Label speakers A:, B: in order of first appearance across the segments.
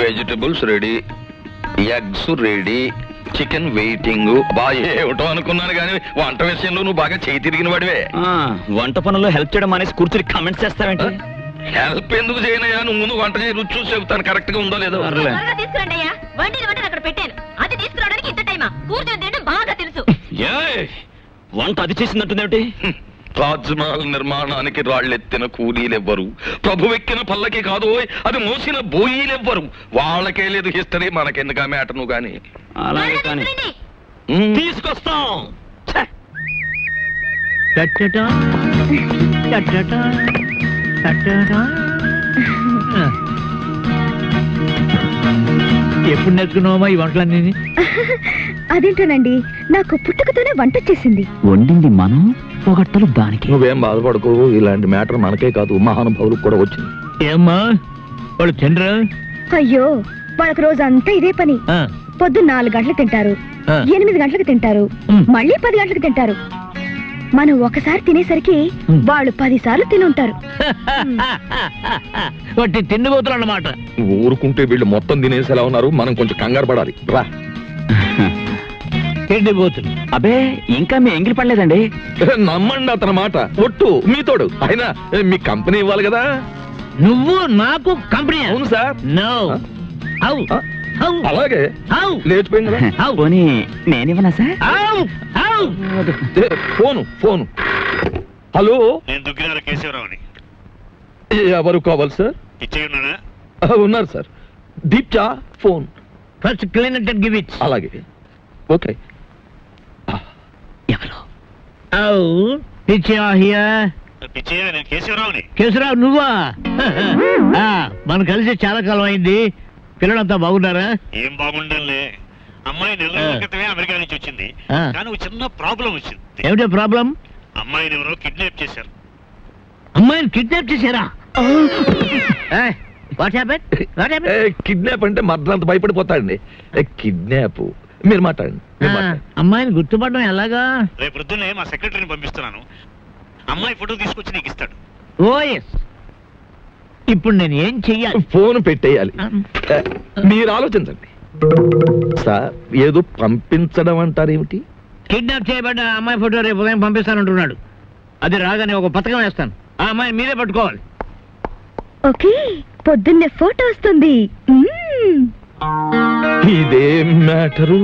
A: Vegetables ready, eggs ready, chicken waiting. బాగా ఏమిటో అనుకున్నాను కానీ వంట విషయంలో నువ్వు బాగా చేయి తిరిగిన వాడివే.
B: వంట పనుల్లో హెల్ప్ చేయడం అనేసి కూర్చుని కామెంట్స్ చేస్తావేంటి?
A: హెల్ప్ ఎందుకు చేయనయ్యా? నువ్వు ముందు వంట చేయి, రుచి చూసి చెబుతాను కరెక్ట్ గా ఉందో లేదో.
B: వంట అది చేసిందంటుందేమిటి?
A: తాజ్మహల్ నిర్మాణానికి రాళ్ళెత్తిన కూలీలెవ్వరు, ప్రభువెక్కిన పల్లకి కాదు అది మోసిన బోయీలెవ్వరు. వాళ్ళకే లేదు హిస్టరీ, మనకెందుకు మ్యాటర్ నువ్వు గాని.
B: అలాగే కానీ తీసుకొస్తాం.
C: ఎప్పుడు నేర్చుకున్నావమ్మా ఈ వంటలన్నీ?
D: అదేంటోనండి, నాకు పుట్టుకతోనే వంట వచ్చేసింది.
B: వండింది మనం, పొగట్టలు దానికి.
A: నువ్వేం బాధపడకు, ఇలాంటి మ్యాటర్ మనకే కాదు మహానుభావులకు కూడా వచ్చింది.
C: ఏమ్మా వాళ్ళు తినరా?
D: అయ్యో, వాళ్ళకి రోజంతా ఇదే పని. పొద్దున్న 4 గంటలకు తింటారు, 8 గంటలకు తింటారు, మళ్ళీ 10 గంటలకు తింటారు. మనం ఒకసారి తినేసరికి వాళ్ళు 10 సార్లు తిని ఉంటారు.
C: వాటి తిండిపోతులు అన్నమాట.
A: ఊరుకుంటే వీళ్ళు మొత్తం తినేసేలా ఉన్నారు, మనం కొంచెం కంగారు పడాలి. రా.
C: తిండిపోతులు.
B: అబే ఇంకా మీ ఎంగిలి పడలేదండి.
A: నమ్మండి అతని మాట, ఒట్టు మీతోడు. అయినా మీ కంపెనీ ఇవ్వాలి కదా.
C: నువ్వు నాకు కంపెనీ?
A: అవును సార్.
C: నో.
A: అలాగే లేచిపోయింది కదా.
B: పోనీ నేనివ్వనా సార్?
A: ఫోను. హలో,
E: నేను దుగ్గినాల కేశవరావుని.
A: ఎవరు కావాలి సార్?
E: ఇచ్చేయున్నానా?
A: ఉన్నారు సార్. దీప్చా phone.
C: First clean it and give it.
A: అలాగే. ఓకే.
B: ఎవరు?
E: పిచ్చయ్య, నేను కేశవరావుని.
C: కేశవరావు నువ్వా? మనం కలిసి చాలా కాలం అయింది. పిల్లలంతా బాగున్నారా?
E: ఏం బాగుండంలే. అమ్మాయి 4 నెలల క్రితమే అమెరికా నుంచి వచ్చింది, కానీ ఒక చిన్న ప్రాబ్లం వచ్చింది.
C: ఏమిటో ప్రాబ్లం?
E: అమ్మాయిని ఎవరో కిడ్నాప్ చేశారు.
C: అమ్మాయిని కిడ్నాప్ చేశారా? What happen?
A: కిడ్నాప్ అంటే మర్దంత భయపడిపోతాడండి. కిడ్నాప్ మీరు మాట్లాడండి.
C: అమ్మాయిని గుర్తుపడడం ఎలాగా?
E: రేపు పొద్దున్నే మా సెక్రటరీని పంపిస్తున్నాను. అమ్మాయి ఫోటో తీసుకొచ్చి నీకు ఇస్తాడు.
C: Oh yes. ఇప్పుడు నేను ఏం చెయ్యాలి?
A: ఫోన్ పెట్టేయాలి. మీరు ఆలోచించండి సార్. ఏదో పంపించడం అంటారేమిటి?
C: కిడ్నాప్ చేయబడ్డ అమ్మాయి ఫోటో రేపు ఉదయం పంపిస్తానంటున్నాడు. అది రాగానే ఒక పథకం వేస్తాను. ఆ అమ్మాయి మీరే పట్టుకోవాలి.
D: ఓకే, పొద్దున్నే ఫోటో వస్తుంది.
A: ఇదేం మ్యాటరు?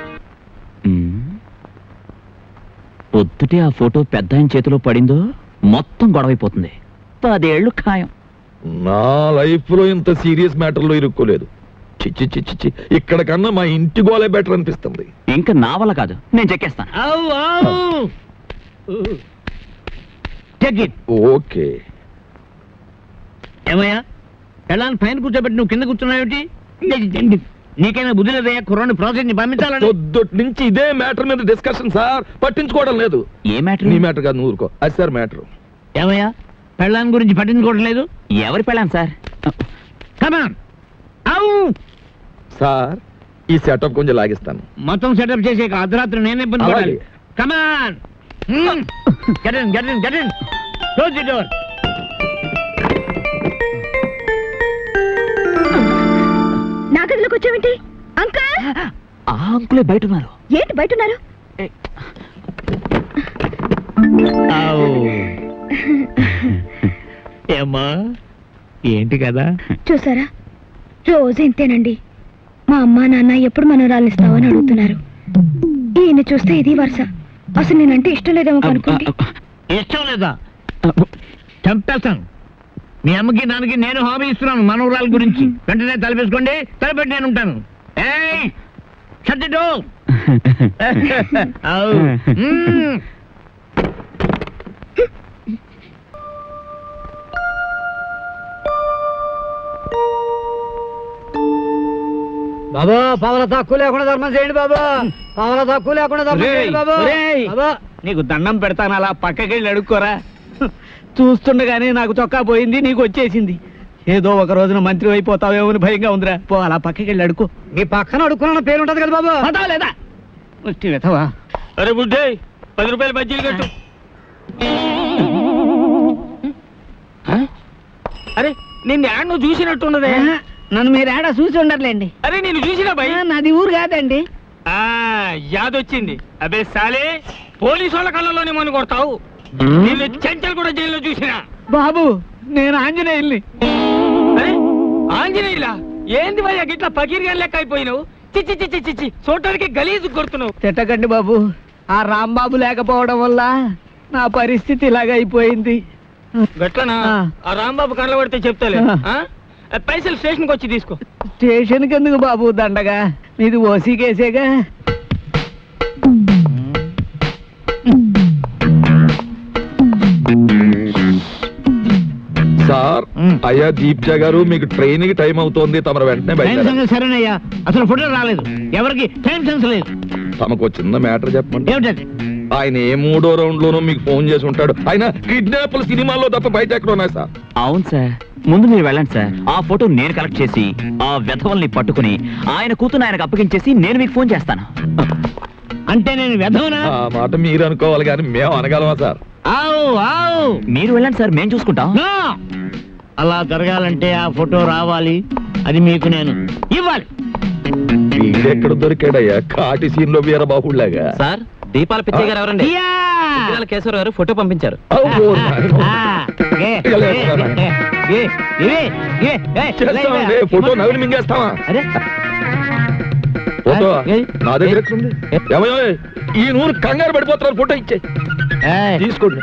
B: పొద్దుటే ఆ ఫోటో పెద్ద ఆయన చేతిలో పడిందో మొత్తం గొడవైపోతుంది. 10 ఏళ్ళు ఖాయం.
A: నా లైఫ్ లో ఇంత సీరియస్ మ్యాటర్ లో ఇరుక్కోలేదు. చిచ్చి చిచ్చి చి, ఇక్కడ కన్నా మా ఇంటి గోలే బెటర్ అనిపిస్తుంది.
B: ఇంకా నా వల్ల కాదు, నేను చెక్కేస్తాను.
A: ఓకే.
C: ఏమయ్యా, ఎలా పైన కూర్చోబెట్టి నువ్వు కింద కూర్చున్నావేమిటి? నీకైనా బుద్ధి లేదయ్యా? కుర్రాన్ని ప్రాజెక్ట్ ని పంపించాలని.
A: పొద్దుటి నుంచి ఇదే మ్యాటర్ మీద డిస్కషన్ సార్. పట్టించుకోవడం లేదు.
B: ఏ మ్యాటర్?
A: నీ మ్యాటర్ కాదు, నువ్వు ఊరుకో. అది సార్ మ్యాటర్.
C: ఏమయ్యా, పెళ్ళాన్ని గురించి పట్టించుకోవడం లేదు?
B: ఎవరి పెళ్ళాను సార్?
C: కమాన్.
A: సార్, ఈ సెటప్ కొంచెం లాగిస్తాను.
C: మొత్తం సెటప్ చేసే అర్ధరాత్రి నేనే ఇబ్బంది పడాలి. Come on. Get in, get in, get in. Close the door.
D: నా గదిలోకి వచ్చావేంటి? అంకుల్.
B: ఆ అంకులే బయట ఉన్నారు.
D: ఏంటి బయట ఉన్నారు?
C: ఏమ్మా, ఏంటి కదా?
D: చూసారా, రోజు ఇంతేనండి. మా అమ్మా నాన్న ఎప్పుడు మనోరాలు ఇస్తావని అడుగుతున్నారు. ఈయన చూస్తే ఇది వరుస. అసలు నేనంటే ఇష్టం లేదేమో అనుకోండి.
C: ఇష్టం లేదా? చంపేస్తాను. మీ అమ్మకి నాన్నకి నేను హామీ ఇస్తున్నాను మనోరాల గురించి. వెంటనే తలపేసుకోండి, తలపెట్టి నేను ఉంటాను. ఏయ్, shut the door.
F: బాబా, పావుల తక్కువ లేకుండా ధర్మం చేయండి బాబా. పావుల తక్కువ లేకుండా ధర్మం చేయండి బాబా.
C: నీకు దండం పెడతాను, అలా పక్కకెళ్ళి అడుక్కోరా. చూస్తుండగానే నాకు చొక్కా పోయింది, నీకు వచ్చేసింది. ఏదో ఒక రోజున మంత్రి అయిపోతావేమో అని భయంగా ఉందిరా. పో, అలా పక్కకెళ్ళి అడుకో.
F: మీ పక్కన అడుక్కున్న పేరు ఉంటది కదా బాబా.
C: పదావు లేదా? ముష్టి వెతవా. అరే బుడ్డే, 10 రూపాయలు బజ్జీలు కట్టు. అరే, నిన్ను యాడ్ నువ్వు చూసినట్టున్నదే.
F: నన్ను మీరు ఏడా చూసి ఉండర్లేండి.
C: అరే నేను చూసినా భయ్.
F: నాది ఊరు కాదండి.
C: యాదొచ్చింది. అబే సాలే, పోలీసు వాళ్ళ కళ్ళలోనే మను కొడతావు. నిన్ను చెంచల్ కూడా జైల్లో చూసినా.
F: బాబు నేను ఆంజనేయుల్ని.
C: ఆంజనేయులా? ఏంది భయ్యా గిట్లా పకీర్గా లెక్క అయిపోయినావు? చిచ్చి చిచ్చి చిచ్చి చూడటానికి గలీజు కొడుతున్నావు.
F: తిట్టకండి బాబు, ఆ రాంబాబు లేకపోవడం వల్ల నా పరిస్థితి ఇలాగ అయిపోయింది.
C: గట్లనా? ఆ రాంబాబు కళ్ళ పడితే చెప్తాలే. పైసలు స్టేషన్కి వచ్చి తీసుకో.
F: స్టేషన్కి ఎందుకు బాబు దండగా, మీది ఓసీ కేసేగా.
A: సార్, అయ్యా దీప్జా గారు, మీకు ట్రైన్ కి టైం అవుతోంది, తమరు వెంటనే
C: టైం
A: బయలుదేరాలి.
C: సంగతి సరేనయ్యా, అసలు ఫోటో రాలేదు. ఎవరికి టైం సెన్స్ లేదు.
A: తమకు చిన్న మ్యాటర్ చెప్పండి.
C: ఏమిటది?
A: ఆయన ఏ 3వ రౌండ్ లోనూ మీకు ఫోన్ చేసి ఉంటాడు. ఆయన కిడ్నాప్ల సినిమాల్లో తప్ప బయట ఎక్కడ ఉన్నాయి సార్?
B: అవును సార్, ముందు మీరు వెళ్ళండి సార్. ఆ ఫోటో నేను కలెక్ట్ చేసి ఆ వెధవల్ని పట్టుకుని ఆయన కూతురు ఆయనకు అప్పగించేసి నేను మీకు ఫోన్ చేస్తాను.
C: అంటే నేను వెధవనా?
A: ఆ మాట మీరు అనుకోవాలి కానీ మేము అనగలమా సార్?
C: ఆవు ఆవు.
B: మీరు వెళ్ళండి సార్, మేము చూసుకుంటాం.
C: నో! అలా జరగాలంటే ఆ ఫోటో రావాలి. అది మీకు నేను ఇవ్వాలి.
A: వీడెక్కడ దొరికాడయ్యా కాటి సీన్ లో వీరబాహుళ్లాగా?
B: సార్, దీపాల పిచ్చయ్య గారు ఎవరండి?
C: యా!
B: కేశవరావు గారు ఫోటో పంపించారు.
A: అబ్బో, నాయనో.
C: ఏ, ఏ, ఏ, ఏ, ఏ,
A: చేస్తామండి, ఫోటో నవ్వులు మింగేస్తావా?
C: అరే
A: ఫోటో
C: ఏ?
A: నా దగ్గర ఎక్కడుంది? ఏమయ్యో, ఈ నూరు కంగారు పడిపోతున్నారు, ఫోటో ఇచ్చే
C: ఏయ్.
A: తీసుకోండి.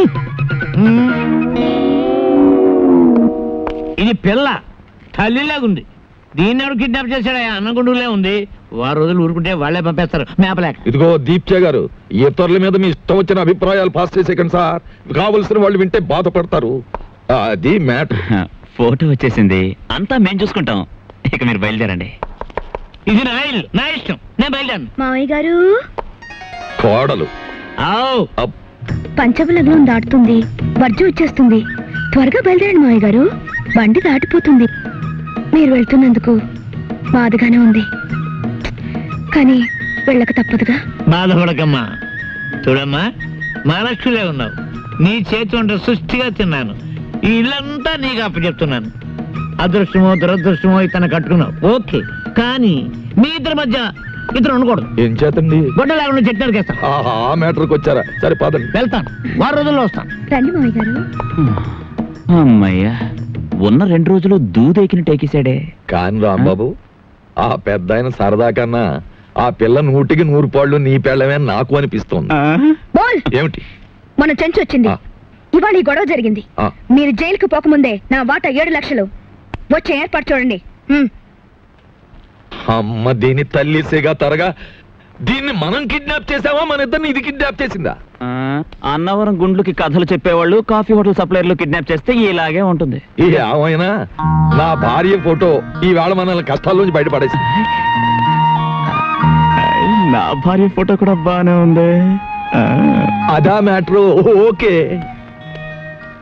C: ఇది పిల్ల తల్లిలాగుంది. దీన్ని ఎవరు కిడ్నాప్ చేశాడా? అన్నగుండులే ఉంది. వారు రోజులు ఊరుకుంటే వాళ్ళే పంపేస్తారు మేపలేక.
A: ఇదిగో దీప్చే గారు, ఇతరుల మీద మీ ఇష్టం వచ్చిన అభిప్రాయాలు పాస్ చేసేకండి సార్. కావలసిన వాళ్ళు వింటే బాధపడతారు. అది మ్యాటర్.
B: ఫోటో వచ్చేసింది, అంతా మేము చూసుకుంటాం. ఇక మీరు బయలుదేరండి.
C: ఇది నా ఇల్లు, నా ఇష్టం, నేను బయలుదేరను.
D: మావయ్య గారు,
A: కోడలు
C: ఆవ్.
D: పంచబలగ్నం దాటుతుంది, వర్జం వచ్చేస్తుంది. త్వరగా బయలుదేరండి మావయ్య గారు, బండి దాటిపోతుంది. మీరు వెళ్తున్నందుకు బాధగానే ఉంది, కానీ వెళ్ళక తప్పదుగా.
C: బాధపడకమ్మా. చూడమ్మా, మహాలక్ష్మిలే ఉన్నావు. నీ చేతి వంట సృష్టిగా తిన్నాను. ఈ ఇల్లంతా నీకు అప్పచెప్తున్నాను. అదృష్టమో దురదృష్టమో ఇతను కట్టుకున్నావు, ఓకే. కానీ మీ ఇద్దరి మధ్య ఇతను ఉండకూడదు.
A: ఏం చేతండి?
C: గొడ్డ లేకుండా చెట్టు నరికేస్తాను.
A: ఆ మ్యాటర్కి వచ్చారా? సరే పదండి.
C: వెళ్తాను, వారం రోజుల్లో వస్తాను.
D: రండి మావయ్య గారు.
B: అమ్మయ్యా, ఉన్న 2 రోజులు దూదెకిన టేకేశాడే.
A: కాని రాంబాబు, ఆ పెద్ద ఆయన సరదా కన్నా ఆ పిల్ల 100కి 100 పాళ్ళు నీ పెళ్ళమే నాకు అనిపిస్తోంది.
D: బోల్,
A: ఏమిటి?
D: మన చెంచు వచ్చింది. ఇవాళ ఈ గొడవ జరిగింది. మీరు జైలుకు పోకముందే నా వాటా 7 లక్షలు వచ్చే ఏర్పాటు చూడండి.
A: అమ్మ దీని తల్లిసేగా తరగా, దీన్ని మనం కిడ్నాప్ చేసావా, మన ఇద్దరిని ఇది కిడ్నాప్ చేసిందా?
B: అన్నవరం గుండ్లకి కథలు చెప్పేవాళ్ళు కాఫీ హోటల్ సప్లైర్లు కిడ్నాప్ చేస్తే ఇలాగే ఉంటుంది.
A: ఏమైనా నా భార్య ఫోటో ఈవేళ మనల్ని కష్టాల్లోంచి బయటపడేసింది.
B: నా భార్య ఫోటో కూడా బానే ఉంది.
A: అదా మ్యాటర్. ఓకే.